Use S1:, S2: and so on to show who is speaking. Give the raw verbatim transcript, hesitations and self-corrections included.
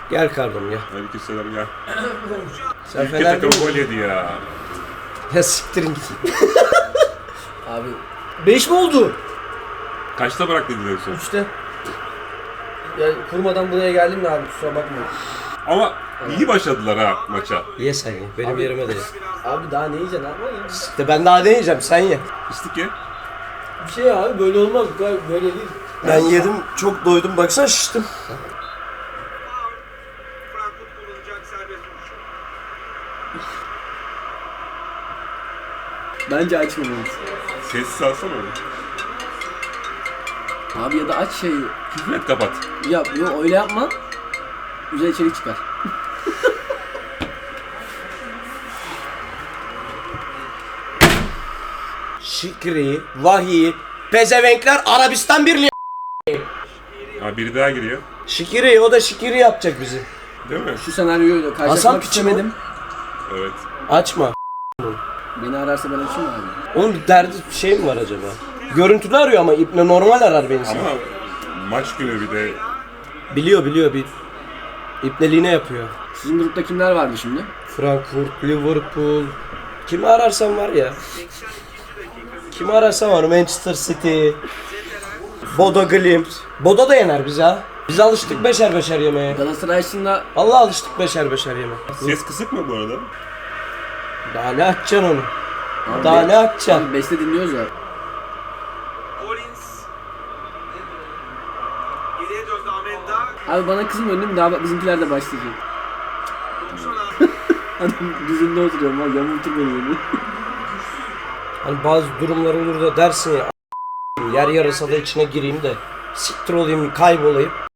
S1: Gel kardım ya.
S2: Aleykümselam gel.
S1: Sen
S2: Ülke
S1: Fener
S2: takımı
S1: değil
S2: gol
S1: mi?
S2: yedi ya.
S1: Ya siktirin git.
S3: Abi beş mi oldu?
S2: Kaçta bırak dediler son?
S3: üçte. Ya kurmadan buraya geldim de abi kusura bakma.
S2: Ama iyi başladılar ha maça.
S1: Ye sen ye. Benim
S3: Abi-
S1: yerime de ye.
S3: Abi daha ne yiyeceksin abi ya?
S1: İşte ben daha ne yiyeceğim, sen ye.
S2: İstik ya.
S3: Bir şey abi böyle olmaz böyle değil.
S1: Ben yedim, çok doydum, baksana şiştim.
S4: Frankfurt kullanacak serbest vuruş.
S3: Bence açmamalısın.
S2: Sessiz alsana onu.
S3: Abi ya da aç şeyi.
S2: Küfür et kapat.
S3: Ya yok öyle yapma. Güzel içerik çıkar.
S1: Şikri, vahiy, pezevenkler Arabistan Birliği.
S2: Ha biri daha giriyor.
S1: Şikiri, o da şikiri yapacak bizi.
S2: Değil mi?
S3: Şu senaryoyla
S1: Hasan
S3: karşılaşmak
S1: piçi mi?
S3: istemedim.
S2: Evet.
S1: Açma.
S3: Beni ararsa ben açayım abi.
S1: Onun bir derdi şey mi var acaba? Görüntülü arıyor ama İbne normal arar beni.
S2: Ama maç günü bir de
S1: Biliyor biliyor bir İbneliğine yapıyor.
S3: Sizin grupta kimler vardı şimdi?
S1: Frankfurt, Liverpool. Kimi ararsan var ya. Kimi ararsan var. Manchester City. Bodo Glimt. Bodo da yener bizi ha. Biz alıştık beşer beşer yemeye.
S3: Galatasaray'sında
S1: Allah alıştık beşer beşer yeme.
S2: ses kısık mı bu arada?
S1: Daha ne açacaksın onu?
S3: abi,
S1: Daha ne açacaksın?
S3: abi Beste dinliyoruz ya.
S4: Collins. Geriye döndü Amenda.
S3: Abi bana kızmıyor değil mi? Daha bak bizimkiler de başlayacak.
S4: doksan altı.
S3: Adam düzünde oturuyorum abi yamultur beni böyle.
S1: Hani bazı durumlar olur da dersin ya, yer yarısa da içine gireyim de siktir olayım, kaybolayım.